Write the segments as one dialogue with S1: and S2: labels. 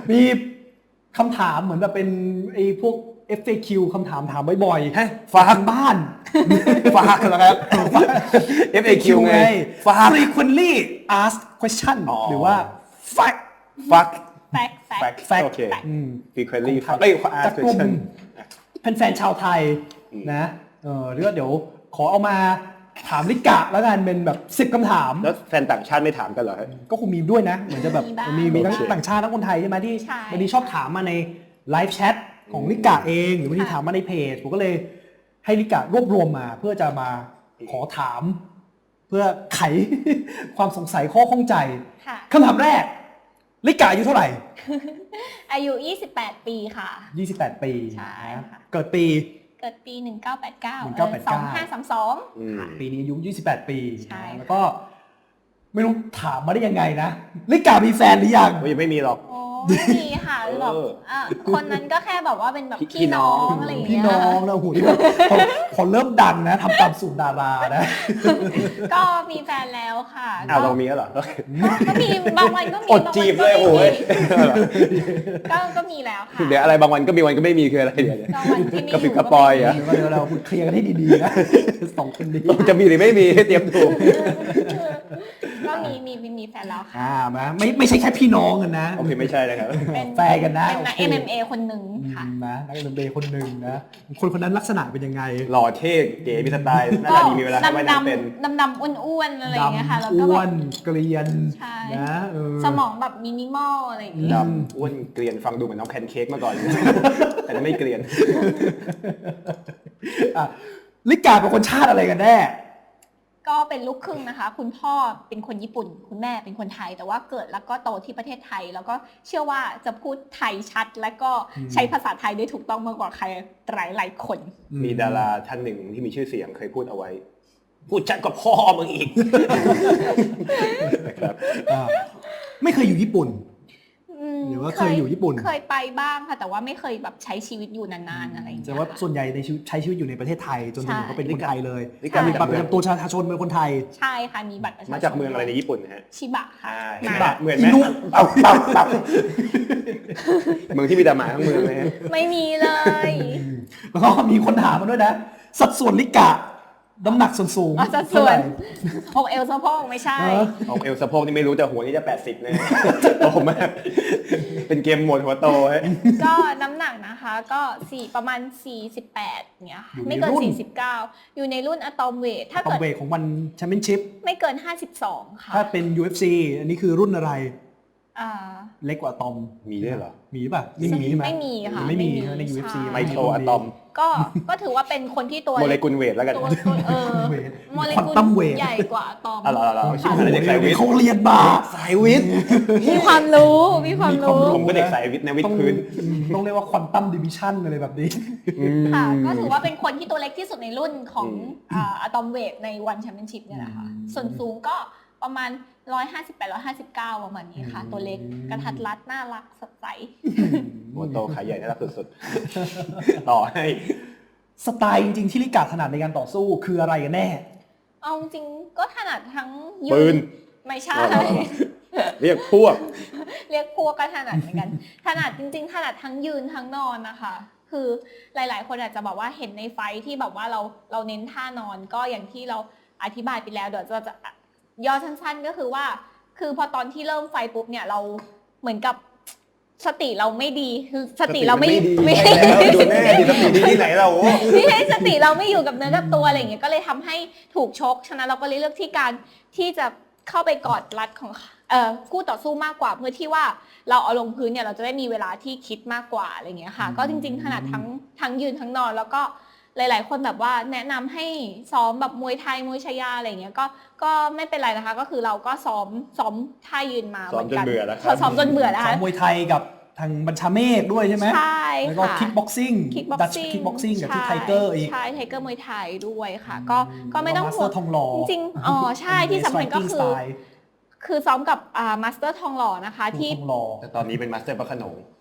S1: มีคำถามเหมือนแบบเป็นไอ้พวก FAQ คำถามถามบ่อยๆฝากบ้าน
S2: ฝากเหรอครับ FAQ ไง
S1: ฝาก frequently asked question หรือว่า fact
S2: โอเค frequently
S1: จากกลุ่มแฟนๆชาวไทยนะหรือว่าเดี๋ยวขอเอามาถามลิกะแล้วกันเป็นแบบ10คำถาม
S2: แล้วแฟนต่างชาติไม่ถามกันเหรอ
S1: ก็คงมีด้วยนะเหมือนจะแบบมีทั้งต่างชาติทั้งคนไทยใช่ไหมที่บางทีชอบถามมาในไลฟ์แชทของลิกะเองหรือบางทีถามมาในเพจผมก็เลยให้ลิกะรวบรวมมาเพื่อจะมาขอถามเพื่อไขความสงสัยข้อข้องใจคำถามแรกลิกะอายุเท่าไหร่
S3: อายุ28ปีค่ะ
S1: 28ปี
S3: ใช่ค่ะ
S1: เกิดปี
S3: 1989 2532
S1: ปีนี้อายุ28ปีแล้วก็ไม่รู้ถามมาได้ยังไงนะลิกะมีแฟนหรือยัง
S2: ยังไม่มีหรอก
S3: ไม่มีค่ะแบบคนนั้นก็แค่แบบว่าเป็นแบบพี่น้องอะไรอย่างเงี้ย
S1: พี่น้องนะโหนี่พอเริ่มดังนะทำตามสูตรดารานะ
S3: ก็มีแฟนแล้วค่ะ
S2: เรามีแล้วเหรอ
S3: ก็มีบางวันก็มี
S2: อดจีบเลยโอ้ย
S3: ก็มีแล้วค่ะ
S2: เดี๋ยวอะไรบางวันก็มีวันก็ไม่มีคืออะไรเดี๋ยวกระปิดกระปอยอ่ะ
S1: เดี๋ยวเราเคลียร์กันให้ดีๆนะสองคนนี้
S2: จะมีหรือไม่มีเตรียมถูก
S3: ก็มีแฟนแล้วค่ะ
S1: ไม่ใช่แค่พี่น้องกันนะ
S2: โอเคไม่ใช่นะครับ
S3: เป็น
S1: แฟนกันนะ
S3: เป็นนัก MMA คนหนึ่งค่ะ
S1: นะนัก MMA คนหนึ่งนะคนนั้นลักษณะเป็นยังไง
S2: หล่อเท่เก๋มีสไตล์น่าจะมีเวลาให้น้ำเป็น
S3: ดำอ้วนๆอะไรอย่างเงี้ยค่ะแล้วก็
S1: อ้วนเกลียนนะ
S3: สมองแบบมินิมอลอะไรอย่างเงี้ย
S2: ดำอ้วนเกลียนฟังดูเหมือนน้องแพนเค้กมาก่อนแต่ไม่เกลียน
S1: ลิกาเป็นคนชาติอะไรกันแน่
S3: ก็เป็นลูกครึ่งนะคะคุณพ่อเป็นคนญี่ปุ่นคุณแม่เป็นคนไทยแต่ว่าเกิดแล้วก็โตที่ประเทศไทยแล้วก็เชื่อว่าจะพูดไทยชัดและก็ใช้ภาษาไทยได้ถูกต้องมากกว่าใครหลายคน
S2: มีดาราท่านหนึ่งที่มีชื่อเสียงเคยพูดเอาไว้พูดชัดกว่าพ่อมึงอีก
S1: นะครับไม่เคยอยู่ญี่ปุ่นหรือว่าเคยอยู่ญี่ปุ่น
S3: เคยไปบ้างค่ะแต่ว่าไม่เคยแบบใช้ชีวิตอยู่นานๆอะไรอย่างเงี้ย
S1: แต่ว่าส่วนใหญ่ในใช้ชีวิตอยู่ในประเทศไทยจนถึงก็เป็นคนไทยเลยมีบัตรประจำตัวประชาชนเป็นคนไทย
S3: ใช่ค่ะมีบัตรประชาชน
S2: มาจากเมืองอะไรในญี่ปุ่นฮะ
S3: ชิบะค่ะ
S2: ชิบะเหมือนไหมปับเมืองที่มีแต่หมาทั้งเมืองเลย
S3: ไม่มีเลย
S1: แล้วก็มีคนถามมาด้วยนะสัดส่วนลิกะน้ำหนักสูง
S3: สัดส่วนอกเอวสะโพกไม่ใช่
S2: อกเอวสะโพกนี่ไม่รู้แต่หัวนี่จะ80เลยโตมากเป็นเกมหมดหัวโต
S3: ก็น้ำหนักนะคะก็ประมาณ48เนี้ยไม่เกิน49อยู่ในรุ่นอะตอมเวทถ้าเกิด
S1: เวทของวันแชมเปี้ยนชิพ
S3: ไม่เกิน52ค่ะ
S1: ถ้าเป็น UFC อันนี้คือรุ่นอะไรเล็กกว่าอะตอม
S2: มีด้วยเหรอ
S1: มีป่ะไม่มีใช่ไหม
S3: ไม่มีค่ะ
S1: ไม่มีใน UFC
S2: ไมโครอะตอม
S3: ก็ถือว่าเป็นคนที่ตัว
S2: โมเลกุลเวทแล้วกัน
S3: โมเลกุลใหญ่กว่าอะตอม
S1: เขาเรียนมา
S2: สายวิทย์
S3: มีความรู้
S2: ผมก็เด็กสายวิทย์ในวิทย์พื้น
S1: ต้องเรียกว่าควอนตัมดิวิชั่นอะไรแบบนี้
S3: ค่ะก็ถือว่าเป็นคนที่ตัวเล็กที่สุดในรุ่นของอะตอมเวทในวันแชมเปี้ยนชิพเนี่ยแหละค่ะส่วนสูงก็ประมาณ158-159ประมาณนี้ค่ะตัวเล็กกระทัดรัดน่ารักสดใส
S2: หัวโตขาใหญ่น่ารักสุดๆต่อให้
S1: สไตล์จริงๆที่ลิกาถนัดในการต่อสู้คืออะไรกันแน่
S3: เอาจริงก็ถนัดทั้ง
S2: ปืน
S3: ไม่ใช่
S2: เรียกพวก
S3: ก็ถนัดเหมือนกันถนัดจริงๆถนัดทั้งยืนทั้งนอนนะคะคือหลายๆคนอาจจะบอกว่าเห็นในไฟที่แบบว่าเราเน้นท่านอนก็อย่างที่เราอธิบายไปแล้วเดี๋ยวจะย่อสั้นๆก็คือว่าคือพอตอนที่เริ่มไฟปุ๊บเนี่ยเราเหมือนกับสติเราไม่ดีสติเราไม่
S2: ดูแน่ดีสติดีที่ไหนเรา
S3: ไม่ให้สติเราไม่อยู่กับเนื้อกับตัวอะไรอย่างเงี้ยก็เลยทำให้ถูกชกฉะนั้นเราก็เลยเลือกที่การที่จะเข้าไปกอดรัดของคู่ต่อสู้มากกว่าเพื่อที่ว่าเราเอาลงพื้นเนี่ยเราจะได้มีเวลาที่คิดมากกว่าอะไรอย่างเงี้ยค่ะก็จริงๆถนัดทั้งยืนทั้งนอนแล้วก็หลายๆคนแบบว่าแนะนำให้ซ้อมแบบมวยไทยมวยชายาอะไรอย่างเงี้ยก็ไม่เป็นไรนะคะก็คือเราก็ซ้อมท่ายืนมาเหมือนกันซ้อมจนเบื่อแล้ว
S1: ซ้อมมวยไทยกับทางบัญชาเมฆด้วยใช่ไหม
S3: ใช่
S1: แล้วก็คิกบ็อกซิ่งดัชคิกบ็อกซิ่งกับที่ไทเกอร์อีก
S3: ใช่ไทเกอร์มวยไทยด้วยค่ะก็ไม่ต้อง
S1: ห่วง
S3: จริงๆใช่ที่สำคัญก็คือซ้อมกับมาสเตอร์ทองหล่อนะคะที่
S2: แต่ตอนนี้เป็นมาสเตอร์พระโขนง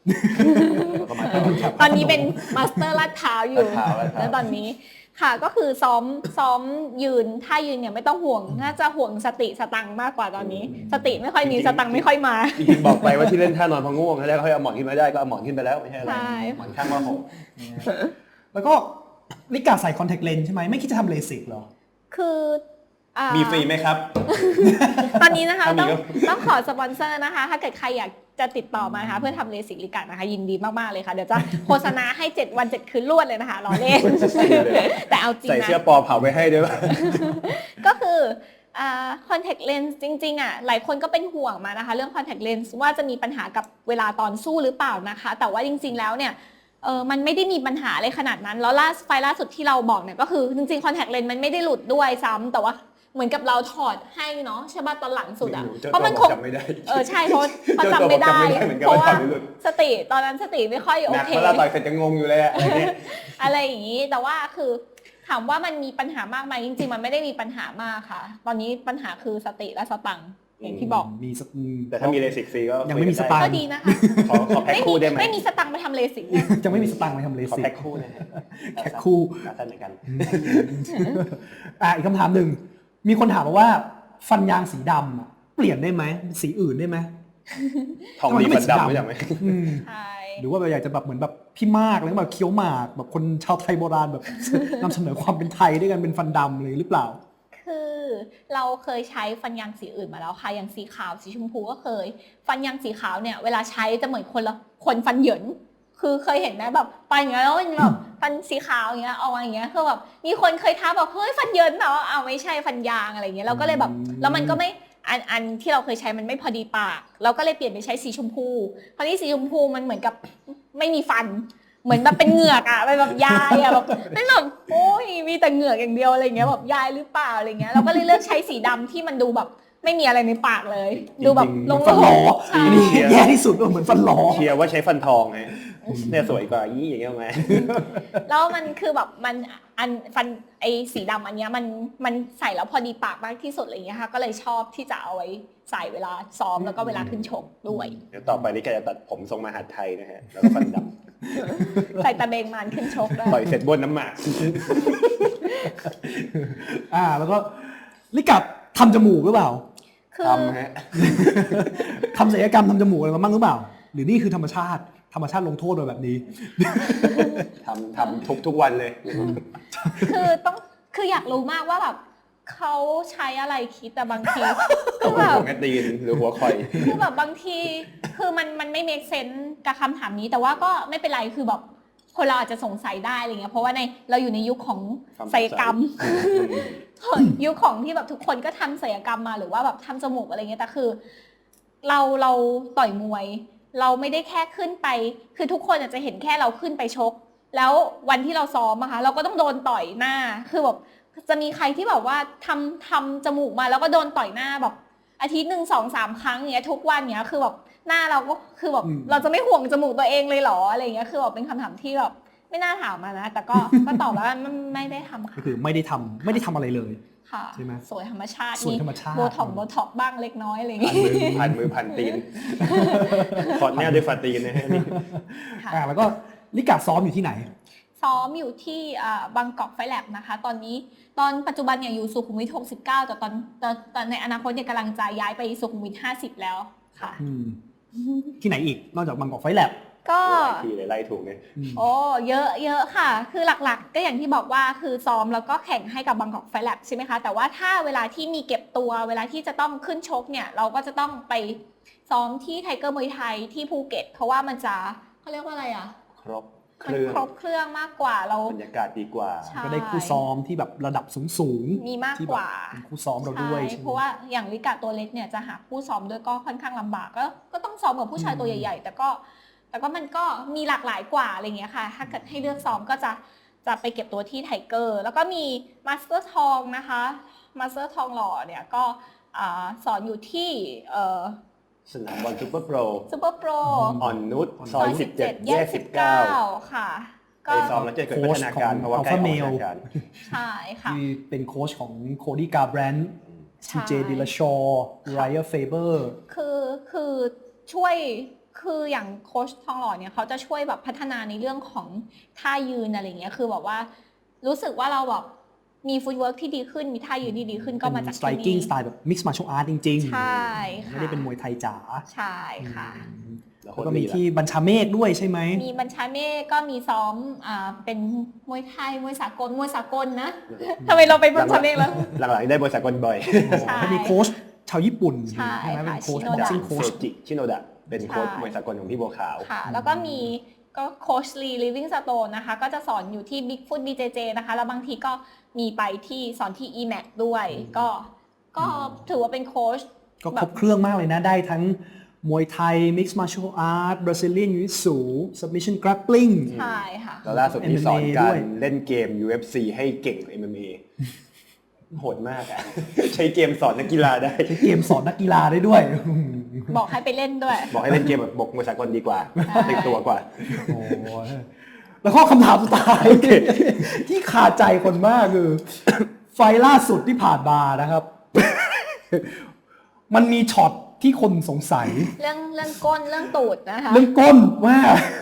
S3: ตอนนี้เป็นมาสเตอร์ลาดพร้าวอยู่
S2: ลาดพร้าว
S3: แล้วตอนนี้ค่ะก็คือซ้อมยืนถ้ายืนเนี่ยไม่ต้องห่วงน่าจะห่วงสติสตังค์มากกว่าตอนนี้ สติไม่ค่อยมีสตังค์ไม่ค่อยมา
S2: จริงๆบอกไปว่าที่เล่นท่านอนพอง่วงแล้วเขาเอาหมอนขึ้นมาได้ก็เอาหมอนขึ้นไปแล้วไม่ใช่อะไร
S3: ใช่
S2: หมอนข้างว่าหก
S1: แล้วก็ลิกาใส่คอนแทคเลนส์ใช่ไหมไม่คิดจะทำเลสิกเหรอ
S3: คือ
S2: มีฟรีไหมครับ
S3: ตอนนี้นะคะ
S2: ถ้ามี
S3: ต้องขอสปอนเซอร์นะคะ ถ้าเกิดใครอยากจะติดต่อมานะคะเพื่อทำเลสิกลิกานะคะยินดีมากๆเลยค่ะเดี๋ยวจะโฆษณาให้7 วัน 7 คืนรวดเลยนะคะล้อเล่น แต่เอาจริง
S2: ใส่
S3: นะ
S2: เสื้อปอเผาไว้ให้ด้วยป่ะ
S3: ก็คือคอนแทคเลนส์จริงๆหลายคนก็เป็นห่วงมานะคะเรื่องคอนแทคเลนส์ว่าจะมีปัญหากับเวลาตอนสู้หรือเปล่านะคะแต่ว่าจริงๆแล้วเนี่ยมันไม่ได้มีปัญหาอะไรขนาดนั้นแล้วไฟล์ล่าสุดที่เราบอกเนี่ยก็คือจริงๆคอนแทคเลนส์มันไม่ได้หลุดด้วยซ้ำแต่ว่าเหมือนกับเราถอดให้เนาะใช่ป่ะตอนหลังสุดอ่ะเพราะมันคง
S2: จำไม่ได้
S3: ใช่เพราะจำไม่ได้เพราะว่า
S2: เหมือนกัน
S3: สติตอนนั้นสติไม่ค่อยโอ
S2: หนัก
S3: เค
S2: เวลาต่อยเสร็จจะงงอยู่เลยอะอะไรเนี่ย
S3: อะไรอย่างนี้แต่ว่าคือถามว่ามันมีปัญหามากไหมจริงๆมันไม่ได้มีปัญหามากค่ะ ตอนนี้ปัญหาคือสติและสตังค์อย่างที่บอก
S1: มีสัก
S2: แต่ถ้ามีเลสิกฟรีก็
S1: ยังไม่มีสตางค์
S3: ก็ดีนะคะ
S2: ขอแพ็คคู่ได้ไหม
S3: ไม่มีสตังค์ไปทำเลสิกเนี่ย
S1: จะไม่มีสตางค์ไปทำเล
S2: ขอ
S1: สิก
S2: แพ็คคู่เลย
S1: แพ็คคู่
S2: สั้นเหมือนกัน
S1: อีกคำถามหนึ่งมีคนถามมาว่าฟันยางสีดำอะเปลี่ยนได้ไหมสีอื่นได้ไหม
S2: ทองดีฟันดำไม่ใช่ไหม
S3: ใช่
S1: หรือว่าอยากจะแบบเหมือนแบบพี่มากแล้วแบบเคี้ยวหมากแบบคนชาวไทยโบราณแบบ นำเสนอความเป็นไทยด้วยกันเป็นฟันดำเลยหรือเปล่า
S3: คือเราเคยใช้ฟันยางสีอื่นมาแล้วค่ะอย่างสีขาวสีชมพูก็เคย ฟันยางสีขาวเนี่ยเวลาใช้จะเหมือนคนฟันเหยินคือเคยเห็นไหมแบบฟันอย่างเงี้ยแล้วมันแบบฟันสีขาวอย่างเงี้ยเอาอย่างเงี้ยคือแบบมีคนเคยท้าบอกเฮ้ยฟันเหยินเหรอเอาไม่ใช่ฟันยางอะไรเงี้ยเราก็เลยแบบแล้วมันก็ไม่อันที่เราเคยใช้มันไม่พอดีปากเราก็เลยเปลี่ยนไปใช้สีชมพูคราวนี้สีชมพูมันเหมือนกับไม่มีฟันเหมือนแบบเป็นเหงือกอะเป็นแบบยายอะแบบเป็นแบบโอ้ยมีแต่เหงือกอย่างเดียวอะไรเงี้ยแบบยายหรือเปล่าอะไรเงี้ยเราก็เลยเลือกใช้สีดำที่มันดูแบบไม่มีอะไรในปากเลย ดูแบบ
S1: จริงๆ
S3: โล่
S1: ฟันหลอ
S3: ๆใช่
S1: อันนี้แย่ที่สุดเหมือนฟันหลอ
S2: เชียร์ว่าใช้ฟันทองไงเนี่ยสวยกว่ายี่อย่างเงี้ยไหม
S3: แล้วมันคือแบบมันฟันไอสีดำอันเนี้ยมันใส่แล้วพอดีปากมากที่สุดอะไรเงี้ยค่ะก็เลยชอบที่จะเอาไว้ใส่เวลาซ้อมแล้วก็เวลาขึ้นชกด้วย
S2: เดี๋ยวต่อไปนี่แกจะตัดผมทรงมหาดไทยนะฮะแล้วก็ฟันด
S3: ใส่ตะเบงมันขึ้นชกได้
S2: ำต่อยเสร็จบนน้ำหมาก
S1: แล้วก็ลิกับทำจมูกหรือเปล่า
S3: คือ
S2: ทำฮะ
S1: ทำศัลยกรรมทำจมูกอะไรมาบ้างหรือเปล่า หรือนี่คือธรรมชาติลงโทษโดยแบบนี้
S2: ทำทุกวันเลย
S3: คืออยากรู้มากว่าแบบเขาใช้อะไรคิดแต่บางทีคือแบบ
S2: หัวตีนหรือหัวคอย
S3: คือแบบบางทีคือมันไม่ make sense กับคำถามนี้แต่ว่าก็ไม่เป็นไรคือแบบคนเราอาจจะสงสัยได้อะไรเงี้ยเพราะว่าเราอยู่ในยุคของศัลยกรรม ยุคของที่แบบทุกคนก็ทำศัลยกรรมมาหรือว่าแบบทำจมูกอะไรเงี้ยแต่คือเราต่อยมวย เราไม่ได้แค่ขึ้นไปคือทุกคนอาจจะเห็นแค่เราขึ้นไปชก แล้ววันที่เราซ้อมอะคะเราก็ต้องโดนต่อยหน้าคือแบบจะมีใครที่แบบว่าทำจมูกมาแล้วก็โดนต่อยหน้าแบบอาทิตย์หนึ่ง2-3 ครั้งเงี้ยทุกวันเงี้ยคือแบบหน้าเราก็คือแบบเราจะไม่ห่วงจมูกตัวเองเลยเหรออะไรเงี้ยคือแบบเป็นคำถามที่แบบไม่น่าถามมานะแต่ก็ตอบแล้วมันไม่ได้ทำ
S1: ก็
S3: ค่ะ
S1: คือไม่ได้ทำอะไรเลย
S3: ค่ะ
S1: ใช่ไหม
S3: สวยธรรมชาติ
S1: สวยธรรมชาติ
S3: โบท็อกบ้างเล็กน้อยอะไรอย่าง
S2: ผ่าน
S3: งี้
S2: มือผ่านตีนขอดแนวด้วยฝ่าตีนนะฮะนี่
S3: ค่ะ
S1: แล้วก็ลิกาซ้อมอยู่ที่ไหน
S3: ซ้อมอยู่ที่บางกอกไฟแลบนะคะตอนปัจจุบันเนี่ยอยู่สุขุมวิท69แต่ตอนในอนาคตเนี่ยกำลังจะย้ายไปสุขุมวิท50แล้วค่ะ
S1: ที่ไหนอีกนอกจากบางกอกไฟแลบ
S3: ก็
S2: หลายทีเลยไล่ถูกเลย
S3: โอ้เยอะค่ะคือหลักๆก็อย่างที่บอกว่าคือซ้อมแล้วก็แข่งให้กับบางกอกไฟแลบใช่ไหมคะแต่ว่าถ้าเวลาที่มีเก็บตัวเวลาที่จะต้องขึ้นชกเนี่ยเราก็จะต้องไปซ้อมที่ไทเกอร์มวยไทยที่ภูเก็ตเพราะว่ามันจะเขาเรียกว่าอะไรอ่ะ
S2: ครบเค
S3: มัน
S2: รื่อง
S3: ครบเครื่องมากกว่าเรา
S2: บรรยากาศดีกว่า
S3: ใช่
S1: ก็ได้คู่ซ้อมที่แบบระดับสูง
S3: มีมาก
S1: ที่
S3: ก
S1: แบบ
S3: ว่า
S1: เป็นคู่ซ้อมเราด้วย
S3: ใช่
S1: ใช่ไหม
S3: เพราะว่าอย่างลิกาตัวเล็กเนี่ยจะหาผู้ซ้อมด้วยก็ค่อนข้างลำบากก็ต้องซ้อมกับผู้ชายตัวใหญ่ๆแต่ก็มันก็มีหลากหลายกว่าอะไรเงี้ยค่ะถ้าเกิดให้เลือกซ้อมก็จะไปเก็บตัวที่ไทเกอร์แล้วก็มีมาสเตอร์ทองนะคะมาสเตอร์ทองหล่อเนี่ยก็สอนอยู่ที่
S2: สนามบอลซูเปอร์โปร
S3: ซูเปอร์โปร
S2: อ่อนนุชซอย17แยก19
S3: ค่ะ
S2: ไปซ้อมแล้วจะเกิดพัฒนาการเพราะว่าใกล้ออกพัฒนาการ
S3: ใช่ค่ะ
S1: ที่เป็นโค้ชของโคดี้กาแบรนด์
S3: ใช่
S1: ทีเจดิลาชอร์ไรเออร์เฟเบอร์
S3: คือช่วยคืออย่างโค้ชทองหล่อเนี่ยเขาจะช่วยแบบพัฒนาในเรื่องของท่ายืนอะไรเงี้ยคือแบบว่ารู้สึกว่าเราแบบมีฟุตเวิร์กที่ดีขึ้นมีท่ายืนที่ดีขึ้นก็มาจากที่นี่
S1: striking style แบบ mix martial art จริงๆ
S3: ใช่ค่ะ
S1: ไม่ได้เป็นมวยไทยจ๋า
S3: ใช่ค่ะ
S1: แล้วก็มีที่บัญชาเมฆด้วยใช่ไหม
S3: มีบัญชาเมฆก็มีซ้อมเป็นมวยไทยมวยสากลนะทำไมเราไปบัญชาเมฆแล้ว
S2: หลังๆได้บริษัทกลบ่อย
S3: ใช่
S1: ก็มีโค้ชชาวญี่ปุ่น
S3: ใช่
S1: ไหมเป็นโค้ช
S3: ค่ะ
S1: บ็อกซิ่ง
S2: โค
S1: โค้ช
S2: จิชิโนดะเป็นโค้ชมวยสากลของพี่บัวขาว
S3: ค่ะแล้วก็มีก็โค้ชลีลิฟวิ่งสโตนนะคะก็จะสอนอยู่ที่ Bigfoot BJJ นะคะแล้วบางทีก็มีไปที่สอนที่ EMAC ด้วยก็ถือว่าเป็นโค้ช
S1: ก็ครบเครื่องมากเลยนะได้ทั้งมวยไทย mixed martial art Brazilian jiu-jitsu submission grappling
S3: ใช่ค่ะ
S2: แล้วล่าสุดนี้สอน
S1: MMA
S2: กา
S1: ด้
S2: ร
S1: วย
S2: เล่นเกม UFC ให้เก่ง MMA โหดมากอะ ใช้เกมสอนนักกีฬาได้
S1: ใช้เกมสอนนักกีฬาได้ด้วย
S3: บอกให้ไปเล่นด้วย
S2: บอกให้เล่นเกมแบบบกมวยสากลดีกว่าติดตัวกว่า
S1: โอ้ยแล้วก็คำถามสุดท้าย ที่ขาดใจคนมากคือ ไฟล์ล่าสุดที่ผ่านมานะครับ มันมีช็อตที่คนสงสัย
S3: เรื่องก้นเรื่องตูดนะคะ
S1: เรื่องก้นว่า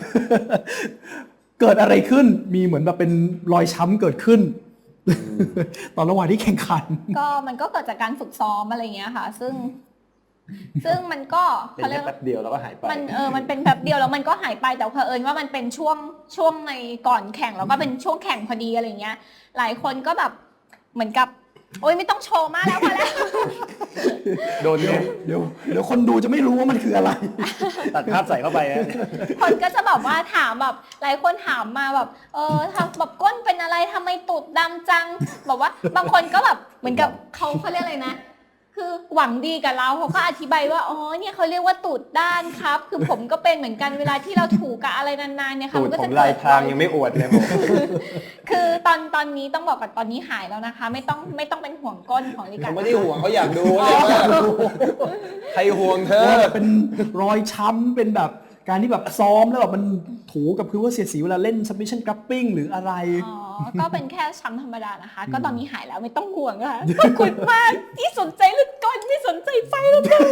S1: เกิดอะไรขึ้นมีเหมือนแบบเป็นรอยช้ำเกิดขึ้น ตอนระหว่างที่แข่งขัน
S3: ก็มันก็เกิดจากการฝึกซ้อมอะไรอย่างเงี้ยค่ะ ซึ่งมันก็
S2: เป็น
S3: เขาเรี
S2: แค่
S3: ยก
S2: แป๊บเดียวแล้วก็หายไป
S3: มันเป็นแบบเดียวแล้วมันก็หายไปแต่เผอิญว่ามันเป็นช่วงในก่อนแข่งแล้วก็เป็นช่วงแข่งพอดีอะไรเงี้ยหลายคนก็แบบเหมือนกับโอ๊ยไม่ต้องโชว์มากแล้วพอแล้ว
S2: โดนเนี่ย
S1: เดี๋ยวคนดูจะไม่รู้ว่ามันคืออะไร
S2: ตัดภาพใส่เข้าไปนะ
S3: คนก็จะแบบว่าถามแบบหลายคนถามมาแบบทำแบบก้นเป็นอะไรทำไมตูดดำจังบอกว่าบางคนก็แบบเหมือนกับเขาเรียกอะไรนะ คือหวังดีกับเราเขาก็อธิบายว่าอ๋อเนี่ยเขาเรียกว่าตูดด้านครับ คือผมก็เป็นเหมือนกันเวลาที่เราถูกับอะไรนานๆเนี่ยค่ะ
S2: ตูด
S3: มันก็
S2: ผ
S3: จะ
S2: ม
S3: เกิ
S2: ลาย
S3: ด
S2: พรางยังไม่อวดเลยผม
S3: คือตอนนี้ต้องบอกก่อนตอนนี้หายแล้วนะคะ ไม่ต้องเป็นห่วงก้นของลิกา
S2: เขาไม่ได้ห่วงเขาอยากดูเลยว่าใครห่วงเธอ
S1: เป็นรอยช้ำเป็นแบบการที่แบบซ้อมแล้วแบบมันถูกับพื้นว่าเสียดสีเวลาเล่น submission grappling หรืออะไร
S3: อ๋อก็เป็นแค่ช้ำธรรมดานะคะ ก็ตอนนี้หายแล้วไม่ต้องห่วงนะคะขอบคุณมากที่สนใจเรื่องก้นไม่สนใจไฟแล้วกัน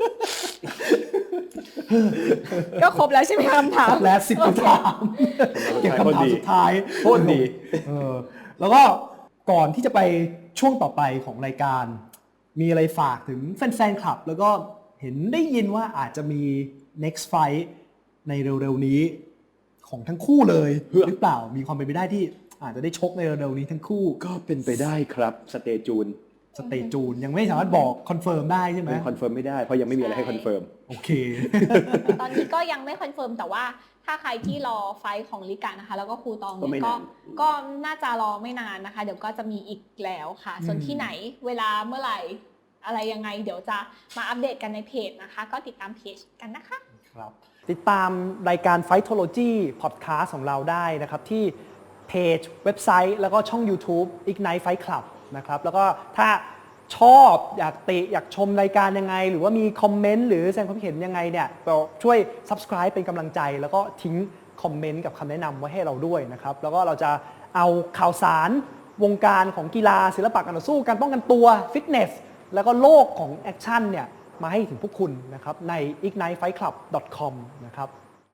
S3: ก็ครบแล้วใช่ไหมคำถาม
S1: และ10คำถามเก็บคำถามสุดท้าย
S2: โคตรดี
S1: แล้วก็ก่อนที่จะไปช่วงต่อไปของรายการ มีอะไรฝากถึงแฟนๆคลับ แล้วก็เห็นได้ยินว่าอาจจะมี next fight ในเร็วๆนี้ของทั้งคู่เลยหรือเปล่ามีความเป็นไปได้ที่อาจจะได้ชกในเร็วๆนี้ทั้งคู่
S2: ก็เป็นไปได้ครับสเตจูน
S1: สเตจจูนยังไม่สามารถบอกคอนเฟิร์มได้ใช่ไหม
S2: คอนเฟิร์มไม่ได้เพราะยังไม่มีอะไรให้คอนเฟิร์ม
S1: โอเค
S3: ตอนนี้ก็ยังไม่คอนเฟิร์มแต่ว่าถ้าใครที่รอไฟท์ของลิกานะคะแล้วก็ครูตอง
S2: ก็ไม่
S3: เนี่ย
S2: นาน
S3: ก็น่าจะรอไม่นานนะคะ เดี๋ยวก็จะมีอีกแล้วค่ะ ส่วนที่ไหนเวลาเมื่อไหร่อะไรยังไง เดี๋ยวจะมาอัปเดตกันในเพจนะคะ ก็ติดตามเพจกันนะคะ
S1: ครับติดตามรายการ Fightology Podcast ของเราได้นะครับที่เพจเว็บไซต์แล้วก็ช่อง YouTube Ignite Fight Club นะครับแล้วก็ถ้าชอบอยากติอยากชมรายการยังไง หรือว่ามีคอมเมนต์หรือแสดงความคิดเห็นยังไงเนี่ยก็ช่วย Subscribe เป็นกำลังใจ แล้วก็ทิ้งคอมเมนต์กับคำแนะนำไว้ให้เราด้วยนะครับแล้วก็เราจะเอาข่าวสารวงการของกีฬาศิลปะการต่อสู้การป้องกันตัวฟิตเนสแล้วก็โลกของแอคชั่นเนี่ยมาให้ถึงพวกคุณนะครับใน ignitefightclub.com นะครับ